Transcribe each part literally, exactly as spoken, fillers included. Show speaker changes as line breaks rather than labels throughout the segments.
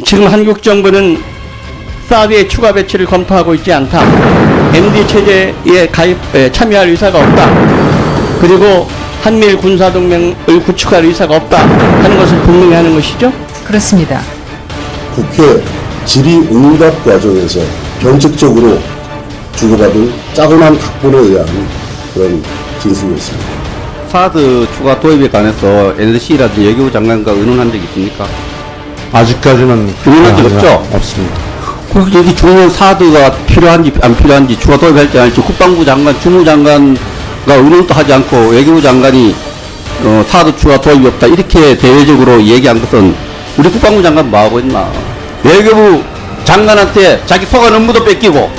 지금 한국 정부는 사드의 추가 배치를 검토하고 있지 않다. 엠디 체제에 가입, 에, 참여할 의사가 없다. 그리고 한미일 군사동맹을 구축할 의사가 없다 하는 것을 분명히 하는 것이죠.
그렇습니다.
국회 질의응답 과정에서 변칙적으로 주고받은 짜고난 각본에 의한 그런 진술이었습니다.
사드 추가 도입에 관해서 엔엘씨라든지 외교부 장관과 의논한 적이 있습니까?
아직까지는
의논한 적 없죠?
없습니다.
그래서 여기 중요한 사드가 필요한지 안 필요한지 추가 도입할지 아닐지 국방부 장관, 주무장관과 의논도 하지 않고 외교부 장관이 어, 사드 추가 도입이 없다 이렇게 대외적으로 얘기한 것은 우리 국방부 장관 뭐하고 있나? 외교부 장관한테 자기 소관 업무도 뺏기고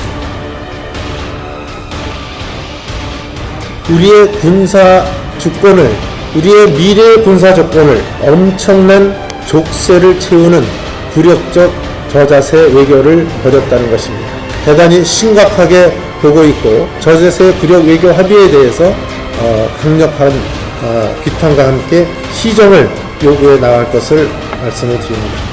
우리의 군사 주권을, 우리의 미래 군사 조건을 엄청난 족쇄를 채우는 굴욕적 저자세 외교를 벌였다는 것입니다. 대단히 심각하게 보고 있고 저자세 굴욕 외교 합의에 대해서 어, 강력한 어, 비판과 함께 시정을 요구해 나갈 것을 말씀을 드립니다.